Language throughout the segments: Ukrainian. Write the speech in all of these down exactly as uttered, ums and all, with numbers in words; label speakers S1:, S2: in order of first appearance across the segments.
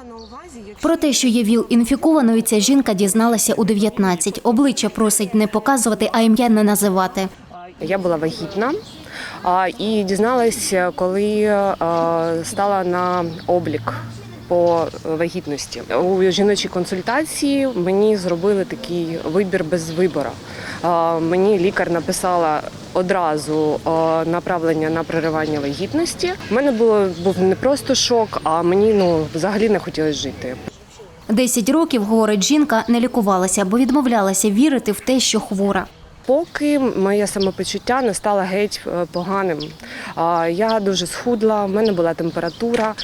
S1: Про те, що є ВІЛ-інфікованою, ця жінка дізналася у дев'ятнадцять. Обличчя просить не показувати, а ім'я не називати.
S2: Я була вагітна і дізналася, коли стала на облік по вагітності. У жіночій консультації мені зробили такий вибір без вибору. Мені лікар написала одразу направлення на переривання вагітності. У мене було, був не просто шок, а мені ну, взагалі не хотілося жити.
S1: Десять років, говорить жінка, не лікувалася, бо відмовлялася вірити в те, що хвора.
S2: Поки моє самопочуття не стало геть поганим. Я дуже схудла, в мене була температура,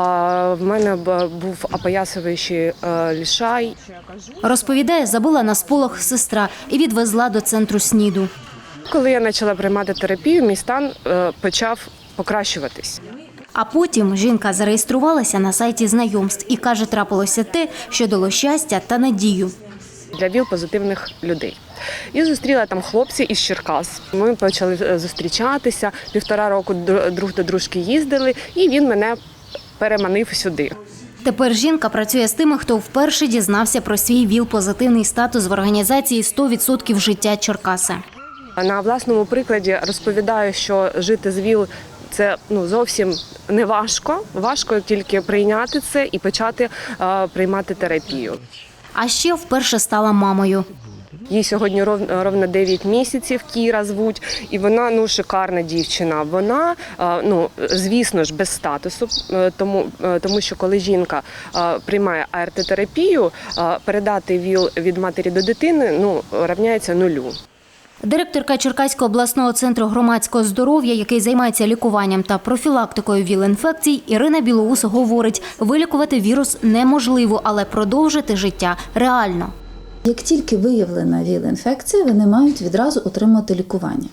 S2: в мене був опоясуючий лишай.
S1: Розповідає, забула на сполох сестра і відвезла до центру СНІДу.
S2: Коли я почала приймати терапію, мій стан почав покращуватись.
S1: А потім жінка зареєструвалася на сайті знайомств і каже, трапилося те, що дало щастя та надію.
S2: Для ВІЛ-позитивних людей. І зустріла там хлопця із Черкас. Ми почали зустрічатися, півтора року друг до дружки їздили, і він мене переманив сюди.
S1: Тепер жінка працює з тими, хто вперше дізнався про свій ВІЛ-позитивний статус в організації «сто відсотків життя Черкаси».
S2: На власному прикладі розповідаю, що жити з ВІЛ – це ну, зовсім не важко. Важко тільки прийняти це і почати е, приймати терапію.
S1: А ще вперше стала мамою.
S2: Їй сьогодні ровно дев'ять місяців, Кіра звуть, і вона ну, шикарна дівчина. Вона, ну, звісно ж, без статусу, тому, тому що коли жінка приймає А Р Т-терапію, передати ВІЛ від матері до дитини ну, рівняється нулю.
S1: Директорка Черкаського обласного центру громадського здоров'я, який займається лікуванням та профілактикою ВІЛ-інфекцій, Ірина Білоус говорить, вилікувати вірус неможливо, але продовжити життя реально.
S3: Як тільки виявлена ВІЛ-інфекція, вони мають відразу отримати лікування.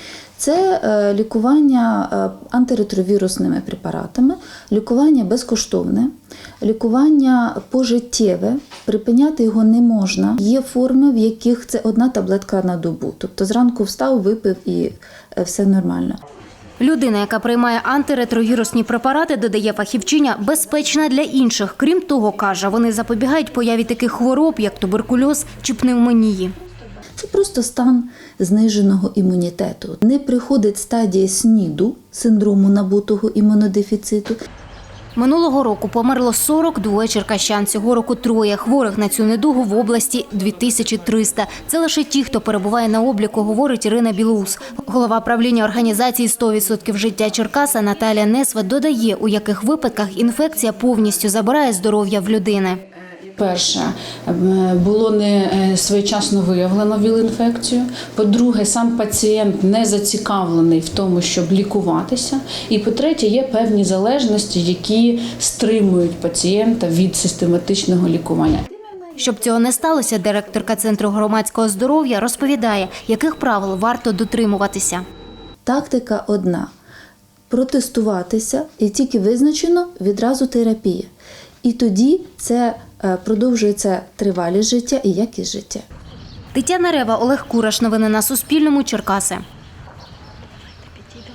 S3: Це лікування антиретровірусними препаратами, лікування безкоштовне, лікування пожиттєве, припиняти його не можна. Є форми, в яких це одна таблетка на добу, тобто зранку встав, випив і все нормально.
S1: Людина, яка приймає антиретровірусні препарати, додає фахівчиня, безпечна для інших. Крім того, каже, вони запобігають появі таких хвороб, як туберкульоз чи пневмонії.
S3: Це просто стан зниженого імунітету. Не приходить стадія СНІДу, синдрому набутого імунодефіциту.
S1: Минулого року померло сорок два черкащан, цього року троє. Хворих на цю недугу в області – дві тисячі триста. Це лише ті, хто перебуває на обліку, говорить Ірина Білоус. Голова правління організації «сто відсотків життя Черкаса» Наталія Несва додає, у яких випадках інфекція повністю забирає здоров'я в людини.
S4: Перше, було не своєчасно виявлено ВІЛ-інфекцію. По-друге, сам пацієнт не зацікавлений в тому, щоб лікуватися. І по-третє, є певні залежності, які стримують пацієнта від систематичного лікування.
S1: Щоб цього не сталося, директорка Центру громадського здоров'я розповідає, яких правил варто дотримуватися.
S3: Тактика одна – протестуватися і тільки визначено відразу терапія. І тоді це продовжується тривалість життя і якість життя.
S1: Тетяна Рева, Олег Кураш. Новини на Суспільному. Черкаси.